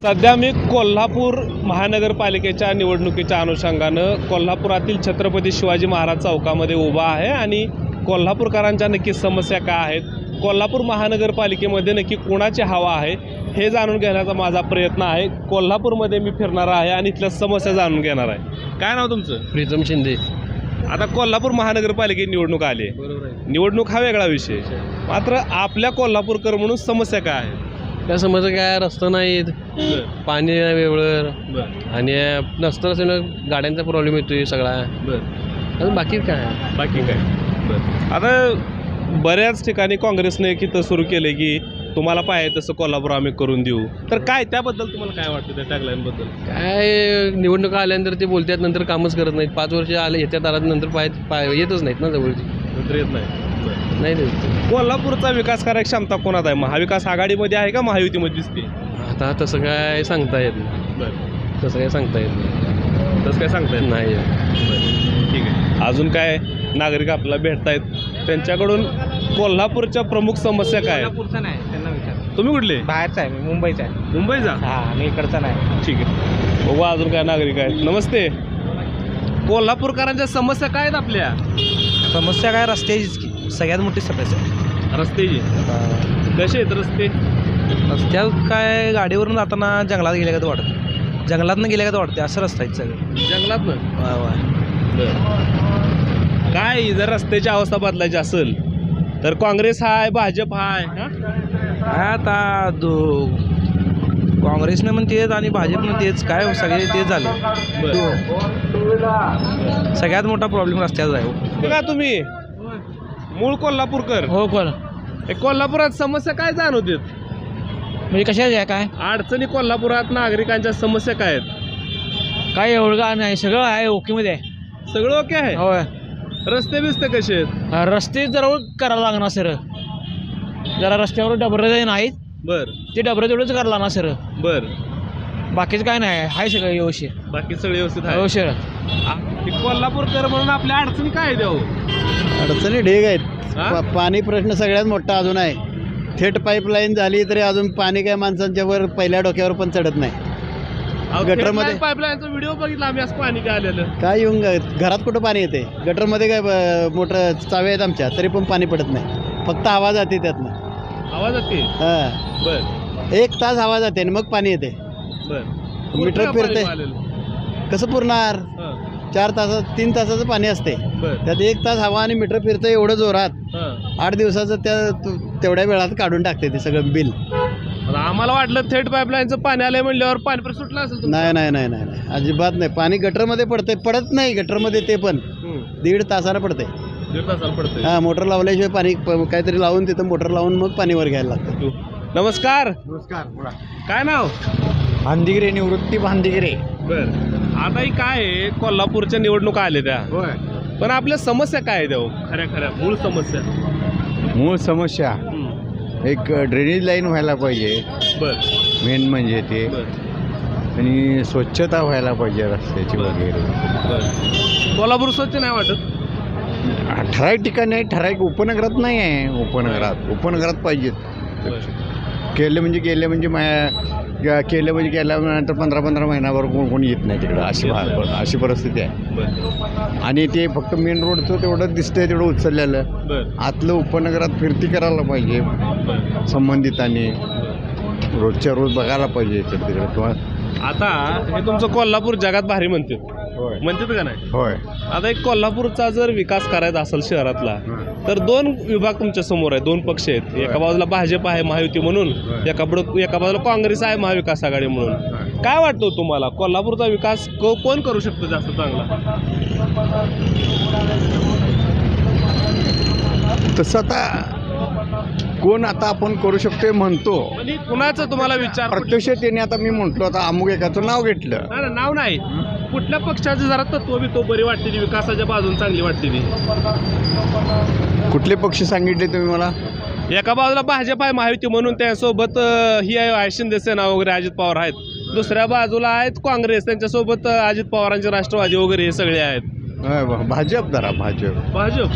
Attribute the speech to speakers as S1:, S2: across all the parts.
S1: सध्या मी कोल्हापूर महानगरपालिकेच्या निवडणुकीच्या अनुषंगानं कोल्हापुरातील छत्रपती शिवाजी महाराज चौकामध्ये उभा आहे आणि कोल्हापूरकरांच्या नक्की समस्या काय आहेत, कोल्हापूर महानगरपालिकेमध्ये नक्की कोणाची हवा आहे हे जाणून घेण्याचा माझा प्रयत्न आहे। कोल्हापूरमध्ये मी फिरणार आहे आणि इथल्या समस्या जाणून घेणार आहे। काय नाव तुमचं?
S2: प्रीतम शिंदे।
S1: आता कोल्हापूर महानगरपालिकेत निवडणूक आली आहे।
S2: बरोबर आहे।
S1: निवडणूक हा वेगळा विषय, मात्र आपल्या कोल्हापूरकर म्हणून समस्या काय आहे?
S2: त्या समस्या काय, रस्ता नाहीत, पाणी नाही वेळेवर आणि नसतं असं गाड्यांचा प्रॉब्लेम येतोय सगळा। अजून बाकी काय
S1: आता बऱ्याच ठिकाणी काँग्रेसने एक इथं सुरू केले की तुम्हाला पाहिजे तसं कोल्हापूर आम्ही करून देऊ, तर काय त्याबद्दल तुम्हाला काय वाटतं त्या टॅगलाईनबद्दल?
S2: काय निवडणुका आल्यानंतर ते बोलतात, नंतर कामच करत नाहीत। 5 वर्ष आले येत्यात, आला नंतर येतच नाहीत ना जवळची,
S1: नंतर येत नाही
S2: देत।
S1: कोल्हापूरचा विकास करायची क्षमता कोणात आहे? महाविकास आघाडीमध्ये आहे का महायुतीमध्ये दिसते?
S2: आता तसं काय सांगता येत नाही, तसं काय सांगता येत नाही,
S1: तसं काय सांगता येत
S2: नाही।
S1: ठीक आहे, अजून काय नागरिक आपल्याला भेटतायत, त्यांच्याकडून कोल्हापूरच्या प्रमुख समस्या काय आहेत?
S3: कोल्हापूरचा नाही, त्यांना विचार।
S1: तुम्ही कुठले?
S3: बाहेरचा आहे, मी मुंबईचा आहे।
S1: मुंबईचा?
S3: हां, मी इकडचा नाही।
S1: ठीक आहे, बघू अजून काय नागरिक आहेत। नमस्ते, कोल्हापूरकरांच्या समस्या काय आहेत आपल्या?
S3: समस्या काय, रस्त्याचीच की सगळ्यात मोठी समस्या आहे।
S1: रस्त्याची? कसे आहेत रस्ते?
S3: रस्त्यात काय, गाडीवरून जाताना जंगलात गेल्या का वाटतं, जंगलातनं गेल्या का वाटते, असं रस्ता आहे सगळं।
S1: जंगलात ना?
S3: वा वा।
S1: काय जर रस्त्याची अवस्था बदलायची असेल तर काँग्रेस हाय, भाजप हाय?
S3: काय आता काँग्रेसने पण तेच आणि भाजपनं तेच, काय सगळे तेच झाले। सगळ्यात मोठा प्रॉब्लेम रस्त्याचा आहे।
S1: का तुम्ही मूळ कोल्हापूरकर?
S3: हो, कोण
S1: कोल्हापुरात समस्या काय जाणवतात?
S3: म्हणजे कशाच आहे, काय
S1: अडचणी कोल्हापुरात नागरिकांच्या समस्या काय आहेत?
S3: काय एवढं नाही, सगळं आहे ओकेमध्ये आहे,
S1: सगळं ओके आहे?
S3: होय।
S1: रस्ते बिस्ते कसे आहेत?
S3: रस्ते जरा करायला लागणार सर, जरा रस्त्यावर डबरे नाहीत,
S1: बर
S3: ते डबरे तेवढंच करायला लागणार सर,
S1: बर।
S3: बाकीचं काय नाही, आहे सगळं व्यवस्थित,
S1: बाकी सगळे व्यवस्थित आहे?
S3: व्यवस्थित।
S1: कोल्हापूरकर म्हणून आपल्या अडचणी काय आहेत? देऊ
S4: अडचणी ढेग आहेत। पाणी प्रश्न सगळ्यात मोठा अजून आहे। थेट पाईपलाईन झाली तरी अजून पाणी काय माणसांच्या वर पहिल्या डोक्यावर पण चढत नाही। गटरमध्ये
S1: पाईपलाईनचा व्हिडिओ बघितला आम्ही, असं पाणी काय आलेलं?
S4: काय येऊन घरात कुठं पाणी येते? गटरमध्ये काय मोटर चावे आहेत आमच्या, तरी पण पाणी पडत नाही, फक्त हवा जाते त्यातनं।
S1: आवाज येते?
S4: हां,
S1: बर।
S4: 1 तास हवा जाते आणि मग पाणी येते।
S1: बर,
S4: मीटर फिरते, कसं पुरणार? 4 तासात 3 तासाचं पाणी असते, त्यात 1 तास हवा आणि मीटर फिरतं एवढं जोरात, 8 दिवसाचं तेवढ्या वेळात काढून टाकते ते सगळं बिल।
S1: आम्हाला वाटलं थेट पाईपलाईनचं पाणी आलंय म्हणल्यावर पाणी पण सुटलं असेल?
S4: नाही नाही नाही नाही नाही, अजिबात नाही। पाणी गटरमध्ये पडत नाही, गटरमध्ये ते पण 1.5 तासानं पडते।
S1: 1.5 तासाला पडतंय?
S4: हां, मोटर लावल्याशिवाय पाणी काहीतरी लावून तिथं मोटर लावून मग पाणी वर घ्यायला लागतं।
S1: नमस्कार, काय नाव?
S4: भांदिगिरे, निवृत्ती भांदिगिरे।
S1: बर, आता ही काय आहे, कोल्हापूरच्या निवडणुका आल्या त्या, पण आपल्या समस्या काय आहे देऊ? खऱ्या मूळ समस्या?
S5: मूळ समस्या एक ड्रेनेज लाईन व्हायला पाहिजे,
S1: बर,
S5: मेन म्हणजे ते, आणि स्वच्छता व्हायला पाहिजे रस्त्याची वगैरे।
S1: कोल्हापूर स्वच्छ नाही वाटत?
S5: ठराविक ठिकाणी आहे, ठराविक उपनगरात नाही आहे। उपनगरात पाहिजेत। केलं म्हणजे केल्यानंतर 15 महिन्यावर कोणी येत नाही तिकडं, अशी परिस्थिती आहे। आणि ते फक्त मेन रोडचं तेवढं दिसतंय, तेवढं उचललेलं, आतलं उपनगरात फिरती करायला पाहिजे संबंधितांनी, रोजच्या रोज बघायला पाहिजे इकडे तिकडे। किंवा
S1: आता हे तुमचं कोल्हापूर जगात भारी म्हणतात का नाही?
S5: होय।
S1: आता एक कोल्हापूरचा जर विकास करायचा असेल शहरातला, तर 2 विभाग तुमच्या समोर आहे, 2 पक्ष आहेत। एका बाजूला भाजप आहे महायुती म्हणून, एका बाजूला काँग्रेस आहे महाविकास आघाडी म्हणून। काय वाटतं तुम्हाला, कोल्हापूरचा विकास कोण करू शकतो जास्त चांगला?
S5: तसं आता कोण आता आपण करू शकतो म्हणतो,
S1: म्हणजे कुणाचं तुम्हाला विचार?
S5: प्रत्यक्ष त्याने आता मी म्हटलो, आता अमुक एकाचं नाव घेतलं,
S1: नाव नाही, कुठल्या पक्षाचं जरा तत्व बी तो बरी वाटते ती, विकासाच्या बाजून चांगली वाटते ती?
S5: कुठले पक्ष सांगितले तुम्ही मला?
S1: एका बाजूला भाजप आहे महायुती म्हणून, त्यासोबत ही आहे शिंदे सेना वगैरे, अजित पवार आहेत, दुसऱ्या बाजूला आहेत काँग्रेस, त्यांच्यासोबत अजित पवारांचे राष्ट्रवादी वगैरे हे सगळे आहेत।
S5: भाजप
S1: भाजप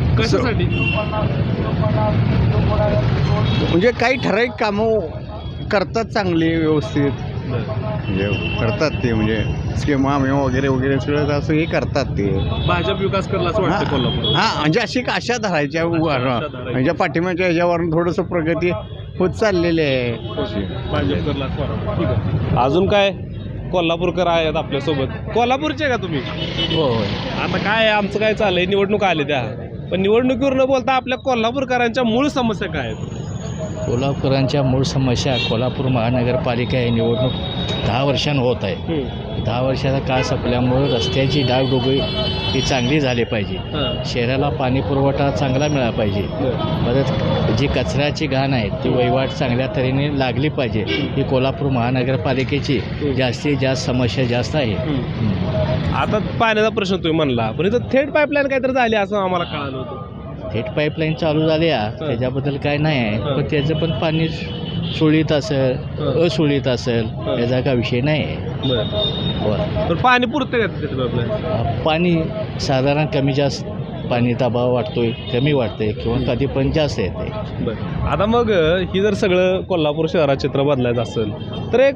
S1: कशासाठी?
S5: म्हणजे काही ठराविक कामं करतात चांगली व्यवस्थित म्हणजे करतात ते म्हणजे स्कीमा वगैरे वगैरे सगळं असं हे करतात ते.
S1: भाजप विकास करला असं वाटतं कोल्हापूर.
S5: हां म्हणजे अशी आशा धरायच्या म्हणजे पाठिंब्याच्या ह्याच्यावरून थोडंसं प्रगती होत चाललेली आहे.
S1: भाजप करला असं वाटतं. ठीक आहे. अजून काय कोल्हापूरकर आहेत आपल्यासोबत. कोल्हापूरचे का तुम्ही?
S2: हो
S1: आता काय आमचं काय चाललंय, निवडणूक आली त्या, पण निवडणुकीवर न बोलता आपल्या कोल्हापूरकरांच्या मूळ समस्या काय आहेत?
S6: कोल्हापुरांच्या मूळ समस्या कोल्हापूर महानगरपालिका ही निवडणूक 10 वर्षांनी होत आहे. 10 वर्षाचा काळ संपल्यामुळे रस्त्याची डागडुगी ही चांगली झाली पाहिजे. शहराला पाणी पुरवठा चांगला मिळाला पाहिजे. परत जी कचऱ्याची घाण आहे ती वहिवाट चांगल्या तऱ्हेने लागली पाहिजे. ही कोल्हापूर महानगरपालिकेची जास्तीत जास्त समस्या जास्त आहे.
S1: आता पाण्याचा प्रश्न तुम्ही म्हणला, पण इथं थेट पाईपलाईन काहीतरी झाली असं आम्हाला कळालं होतं.
S6: थेट पाईपलाईन चालू झाली आहे त्याच्याबद्दल काय नाही आहे, पण त्याचं पण पाणी सुळीत असेल असुळीत असेल याचा काय विषय नाही आहे. बरं
S1: पण पाणी पुरतं का तिथे पाईपलाईन?
S6: पाणी साधारण कमी जास्त पाणी दबाव वाटतोय, कमी वाटते किंवा कधी पण जास्त येते.
S1: बरं. आता मग ही जर सगळं कोल्हापूर शहरात चित्र बदलायचं असेल तर एक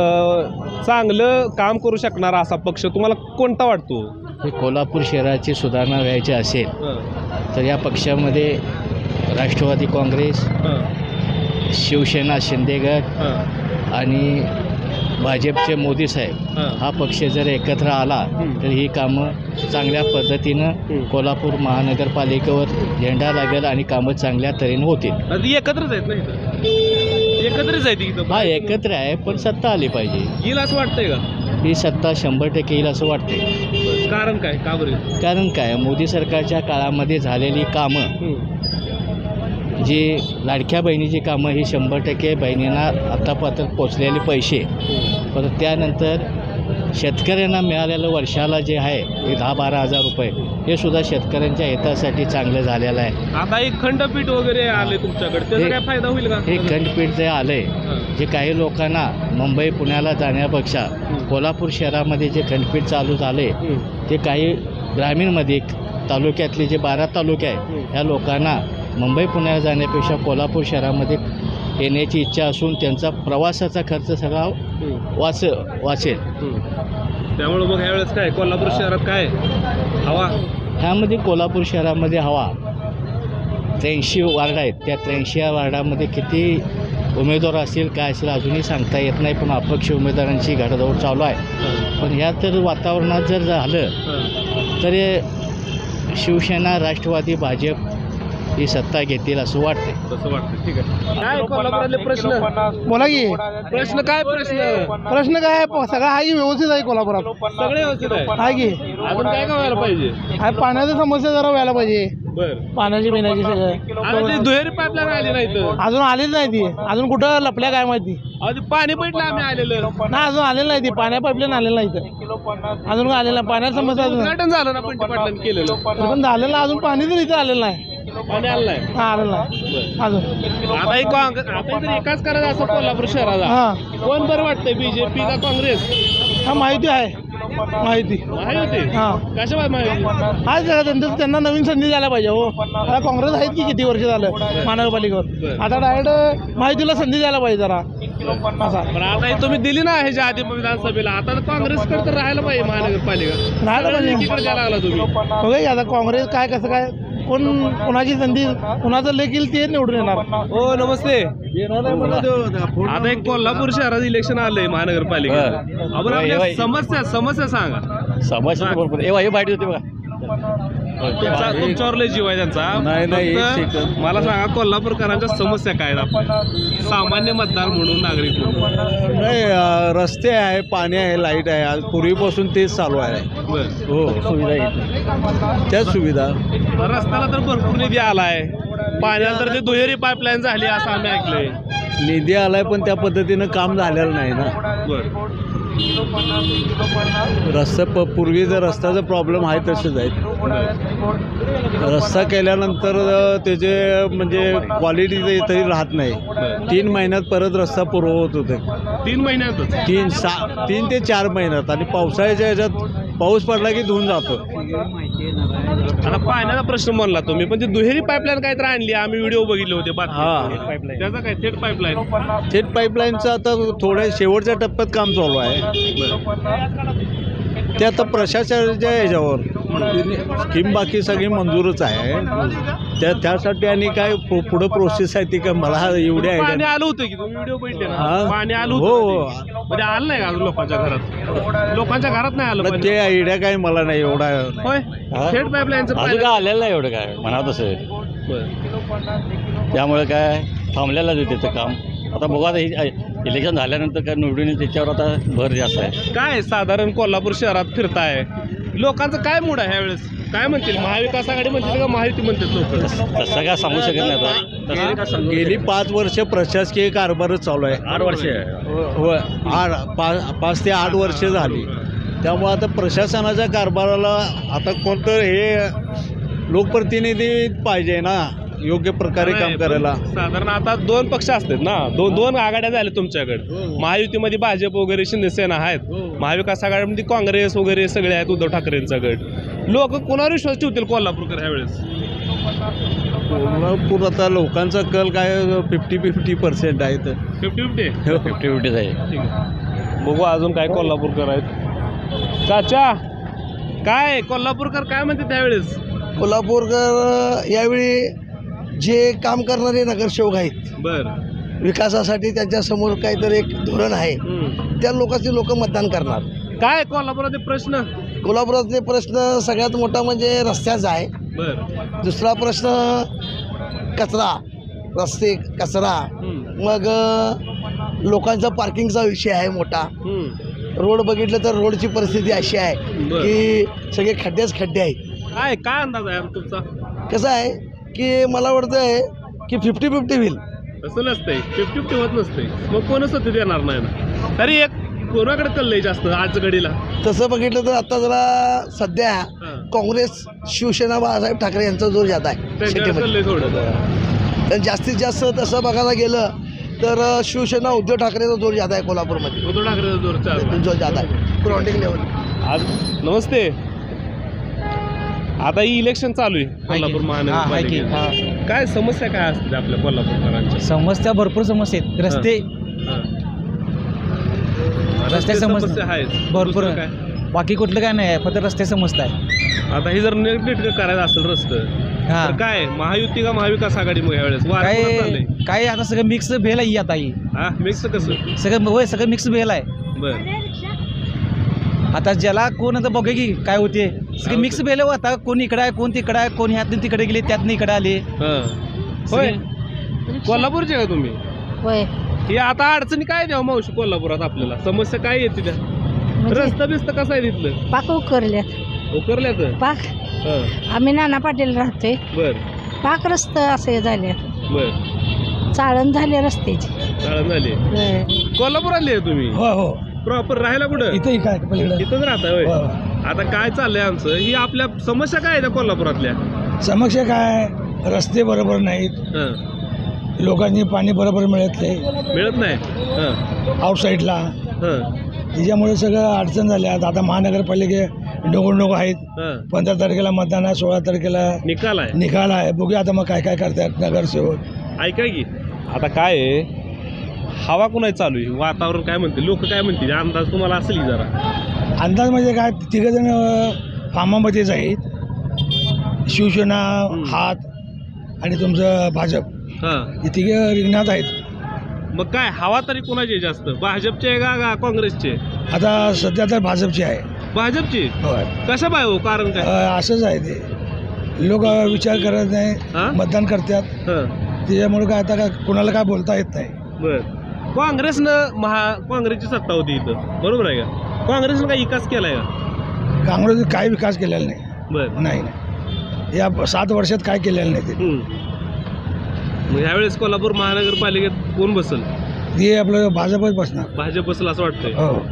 S1: चांगलं काम करू शकणारा असा पक्ष तुम्हाला कोणता वाटतो?
S6: हे कोल्हापूर शहराची सुधारणा व्हायची असेल तर या पक्षामध्ये राष्ट्रवादी काँग्रेस, शिवसेना शिंदेगड आणि भाजपचे मोदी साहेब हा पक्ष जर एकत्र आला तर ही कामं चांगल्या पद्धतीनं कोल्हापूर महानगरपालिकेवर झेंडा लागेल आणि कामं चांगल्या तऱ्हेने होतील.
S1: एकत्रच आहेत ना, एकत्रच आहेत इथं.
S6: हा एकत्र आहे पण सत्ता आली पाहिजे.
S1: येईल असं वाटतंय का?
S6: ही सत्ता 100% येईल असं वाटते.
S1: कारण काय, का बरं?
S6: कारण काय, मोदी सरकारच्या काळामध्ये झालेली कामं जी लाडक्या बहिणीची कामं ही 100% बहिणींना आतापर्यंत पोचलेले पैसे, परत त्यानंतर शेतकऱ्यांना मिळालेलं वर्षाला जे आहे हे 10-12 हजार रुपये हे सुद्धा शेतकऱ्यांच्या हितासाठी चांगलं झालेलं आहे.
S1: आता एक खंडपीठ वगैरे आले तुमच्याकडे, त्याचा काय फायदा होईल का?
S6: हे खंडपीठ जे आलंय जे काही लोकांना मुंबई पुण्याला जाण्यापेक्षा कोल्हापूर शहरामध्ये जे खंडपीठ चालू झाले ते काही ग्रामीणमध्ये तालुक्यातले जे 12 तालुके आहे ह्या लोकांना मुंबई पुण्याला जाण्यापेक्षा कोल्हापूर शहरामध्ये येण्याची इच्छा असून त्यांचा प्रवासाचा खर्च सगळा वाचेल.
S1: त्यामुळे मग ह्यावेळेस काय कोल्हापूर शहरात काय हवा?
S6: ह्यामध्ये कोल्हापूर शहरामध्ये हवा 83 वार्ड आहेत. त्या 83 वार्डामध्ये किती उमेदवार असतील काय असेल अजूनही सांगता येत नाही, पण अपक्ष उमेदवारांची घडादौड चालू आहे. पण ह्या तर वातावरणात जर झालं तर शिवसेना, राष्ट्रवादी, भाजप ही सत्ता घेतील असं वाटते.
S1: तसं वाटतं. ठीक आहे. काय कोल्हापुरातले प्रश्न?
S3: बोला की
S1: प्रश्न काय?
S3: प्रश्न काय सगळं आहे की व्यवस्थित आहे कोल्हापुरात.
S1: सगळे व्यवस्थित
S3: आहे की
S1: अजून काय काय व्हायला पाहिजे?
S3: आहे पाण्याची समस्या जरा व्हायला पाहिजे.
S1: बर.
S3: पाण्याची पिण्याची
S1: आता
S3: सगळं
S1: ते दुहेरी पाईपलाईन आली नाही तर
S3: अजून आलेली नाही ती. अजून कुठं लपल्या काय माहिती
S1: पाणी पेटलं आम्ही आलेलं
S3: नाही, अजून आलेलं नाही ती. पाण्या पाईपलाईन आलेलं नाही इथं अजून आलेलं नाही. पाण्याची समस्या अजून
S1: उद्घाटन झालं ना पंटी पाटलांनी केलेलं,
S3: पण झालेलं अजून पाणी तर इथं आलेलं नाही.
S1: पाणी आलं नाही.
S3: हा आलेलं नाही अजून.
S1: आता इथं एकाच करायचं असं कोल्हापूर शहराला
S3: हा
S1: कोण बरं वाटतंय, बीजेपी का काँग्रेस?
S3: हा माहिती आहे माहिती.
S1: माहिती
S3: हा
S1: कशा माहिती?
S3: आहे सगळं त्यांना नवीन संधी द्यायला पाहिजे. हो आता काँग्रेस आहेत की किती वर्ष झालं महानगरपालिकेवर. आता डायरेक्ट माहितीला संधी द्यायला पाहिजे जरा असा.
S1: पण आता हे तुम्ही दिली ना ह्याच्या आधी विधानसभेला, आता काँग्रेसकडे तर राहायला पाहिजे महानगरपालिका.
S3: राहायला पाहिजे.
S1: एकीकडे द्यायला लागला तुम्ही.
S3: बघा आता काँग्रेस काय कसं काय कोणाची संधी कोणाचं लेख येईल ते निवडून येणार.
S1: हो नमस्ते. आता एक कोल्हापूर शहरात इलेक्शन आलंय महानगरपालिकेत. आपण आपल्या समस्या सांगा.
S6: समस्या वाईट होते बघा.
S1: तुमच्यावर लय जीव आहे त्यांचा. फक्त मला सांगा कोल्हापूरकरांच्या समस्या काय आहेत सामान्य मतदार म्हणून, नागरिक म्हणून?
S4: नाही रस्ते आहे, पाणी आहे, लाईट आहे. आज पूर्वीपासून तेच चालू आहे. हो
S6: सुविधा
S4: त्याच सुविधा.
S1: रस्त्याला तर भरपूर निधी आलाय, पाण्याला तर ते दुहेरी पाईपलाईन झाली असं आम्ही ऐकलंय.
S4: निधी आलाय पण त्या पद्धतीनं काम झालेलं नाही ना.
S1: बरं.
S4: रस्ता पूर्वी जर रस्त्याचा प्रॉब्लेम आहे तसंच आहे. रस्ता केल्यानंतर त्याचे म्हणजे क्वालिटी तरी राहत नाही. 3 महिन्यात परत रस्ता पुरवत होते.
S1: 3 महिन्यातच
S4: 3 ते 4 महिन्यात आणि पावसाळ्याच्या ह्याच्यात पाऊस पडला की धुवून जातो.
S1: आता पाण्याचा प्रश्न म्हणला तुम्ही, पण ती दुहेरी पाईपलाईन काहीतरी आणली, आम्ही व्हिडिओ बघितले होते
S4: हा.
S1: पाईपलाईन, त्याचा काय थेट पाईपलाईन?
S4: थेट पाईपलाईनचं आता थोड्या शेवटच्या टप्प्यात काम चालू आहे. ते आता प्रशासनाच्या ह्याच्यावर स्कीम बाकी सगळी मंजूरच आहे. त्यासाठी आणि काय पुढं प्रोसेस आहे ती काय मला एवढी
S1: पाणी
S4: आयडिया.
S1: आलं होतं की तुम्ही व्हिडिओ बघितले ना?
S4: हा.
S1: पाणी आलं
S4: हो,
S1: होतं
S4: हो.
S1: ते. म्हणजे आलं नाही का अजून लोकांच्या घरात? लोकांच्या घरात नाही आलं पाणी?
S4: ते आयडिया काय मला नाही एवढा.
S1: होय, थेट पाईपलाईनचं
S6: अजून
S1: पाणी.
S6: काय आलेलं नाही एवढं काय म्हणा तसं. त्यामुळे काय थांबलेलं आहे त्याचं काम. आता बघू आता इलेक्शन झाल्यानंतर काय निवडून येईल त्याच्यावर आता भर जास्त आहे.
S1: काय साधारण कोल्हापूर शहरात फिरताय, लोकांचं काय मूड आहे ह्यावेळेस? काय म्हणतील, महाविकास आघाडी म्हणतील का महायुती म्हणतील लोक?
S6: तसं काय सांगू शकत नाही आता. तसं काय सांगू
S4: गेली 5 वर्ष प्रशासकीय कारभारच चालू आहे.
S6: 8 वर्ष
S4: होय 5 ते 8 वर्ष झाली. त्यामुळे आता प्रशासनाच्या कारभाराला आता कोणतं हे लोकप्रतिनिधी पाहिजे ना योग्य प्रकारे काम करायला.
S1: साधारण आता 2 पक्ष असतात ना, दोन आघाड्या झाल्या तुमच्याकडे. महायुतीमध्ये भाजप वगैरे शिंदेसेना आहेत, महाविकास आघाडीमध्ये काँग्रेस वगैरे सगळे आहेत, उद्धव ठाकरेंचा गट. लोक कोणावर विश्वास ठेवतील कोल्हापूरकर ह्यावेळेस?
S4: कोल्हापूर आता लोकांचा कल काय 50-50% आहे. तर
S1: 50-50
S6: 50-50 आहे.
S1: ठीक आहे, बघू अजून काय कोल्हापूरकर आहेत. चाचा काय कोल्हापूरकर काय म्हणते त्यावेळेस?
S3: कोल्हापूरकर यावेळी जे काम करणारे नगरसेवक आहेत,
S1: बर,
S3: विकासासाठी त्यांच्यासमोर काहीतरी एक धोरण आहे, त्या लोकांचे लोक मतदान करणार.
S1: काय कोल्हापुराचे प्रश्न?
S3: कोल्हापुरातले प्रश्न सगळ्यात मोठा म्हणजे रस्त्याचा आहे.
S1: बर,
S3: दुसरा प्रश्न कचरा, रस्ते कचरा. मग लोकांचा पार्किंगचा विषय आहे मोठा. रोड बघितलं तर रोडची परिस्थिती अशी आहे की सगळे खड्डेच खड्डे आहेत.
S1: काय अंदाज आहे तुमचा?
S3: कसं आहे की मला वाटतं आहे की 50-50 होईल.
S1: तसं नसतंय, 50-50 होत नसतंय. मग कोणच सत्तेत येणार नाही ना. तरी एक कोणाकडे कळलंय जास्त आज घडीला?
S3: तसं बघितलं तर आता जरा सध्या काँग्रेस शिवसेना बाळासाहेब ठाकरे यांचा जोर जात आहे
S1: त्यांच्याकडे
S3: सिटीमध्ये.
S1: कळलंय थोडं.
S3: तर जास्तीत जास्त तसं बघायला गेलं तर शिवसेना उद्धव ठाकरेचा जोर जात आहे कोल्हापूरमध्ये.
S1: उद्धव ठाकरेचा जोर चालू आहे.
S3: जोर जात आहे ग्राउंडिंग लेवल.
S1: आज नमस्ते. आता ही इलेक्शन चालू आहे कोल्हापूर महानगरपालिकेत. काय समस्या काय असतील आपल्या कोल्हापूरकरांच्या?
S7: समस्या भरपूर समस्या आहेत. रस्ते रस्ते
S1: समस्या आहेत
S7: भरपूर
S1: दुसरं काय?
S7: बाकी कुठलं काय नाही आहे, फक्त रस्ते समजत आहे.
S1: आता हे जर नीट करायचं असेल रस्तं
S7: हा
S1: तर काय महायुती का महाविकास आघाडी मग यावेळेस वारं
S7: काय
S1: कोणाचं चाललंय?
S7: काय आता सगळं मिक्स भेल आहे आता ही.
S1: हा, मिक्स कसं?
S7: सगळं मिक्स भेल आहे.
S1: बर,
S7: आता ज्याला कोण आता बघे की काय होते सगळे मिक्स भेल आता. कोण इकडे आहे, कोण तिकडे आहे, कोण ह्यातून तिकडे गेले, त्यातनं इकडे आले.
S1: होय, कोल्हापूरचे का तुम्ही?
S8: होय.
S1: हे आता अडचणी काय द्यावं मावशी कोल्हापुरात आपल्याला? समस्या काय येते त्या? रस्ता बिस्ता कसा आहे तिथलं?
S8: पाक उकरल्यात.
S1: उकरल्यात?
S8: पाक आम्ही नाना पाटील राहतोय.
S1: बर
S8: पाक रस्ता असे झाले,
S1: बर,
S8: चाळण झाले रस्त्याची.
S1: चाळण झाली.
S8: होय.
S1: कोल्हापुरातले आहे तुम्ही?
S3: हो हो
S1: प्रॉपर राहायला कुठं?
S3: इथं काय
S1: इथंच राहताय होय. आता काय चाललंय आमचं, ही आपल्या समस्या काय आहे त्या कोल्हापुरातल्या?
S3: समस्या काय, रस्ते बरोबर नाहीत,
S1: हं.
S3: लोकांनी पाणी बरोबर मिळत नाही
S1: मिळत नाही.
S3: आउटसाईडला.
S1: हं.
S3: त्याच्यामुळे सगळं अडचण झाल्या. आता महानगरपालिके निवडणूक आहेत.
S1: हं.
S3: 15 तारखेला मतदान आहे, 16 तारखेला
S1: निकाल आहे.
S3: निकाल आहे. बघूया आता मग काय काय करतात नगरसेवक.
S1: ऐका की आता काय आहे, हवा कुणाची चालू आहे, वातावरण काय म्हणते, लोक काय म्हणतील, अंदाज तुम्हाला असेल की जरा?
S3: अंदाज म्हणजे काय, तिघजण कामामध्येच आहेत. शिवसेना, हात आणि तुमचं भाजप,
S1: हां.
S3: हे तिघे रिंगणात आहेत.
S1: मग काय हवा तरी कुणाची आहे जास्त, भाजपचे आहे का काँग्रेसचे?
S3: आता सध्या तर भाजपची आहे.
S1: भाजपची?
S3: होय.
S1: कशा पाय हो, कारण काय?
S3: असंच आहे ते, लोक विचार करत नाही,
S1: हां?
S3: मतदान करतात.
S1: हं.
S3: त्याच्यामुळे काय आता काय कुणाला काय बोलता येत नाही.
S1: बर, काँग्रेसनं काँग्रेसची सत्ता होती इथं, बरोबर आहे का? काँग्रेसनं काही विकास केलाय का?
S3: काँग्रेसने काय विकास केलेला नाही.
S1: बर,
S3: नाही, या 7 वर्षात काय केलेलं नाही ते.
S1: मग ह्यावेळेस कोल्हापूर महानगरपालिकेत कोण बसल?
S3: ते आपलं भाजपच बसणार.
S1: भाजप बसल असं वाटतंय.
S3: हो.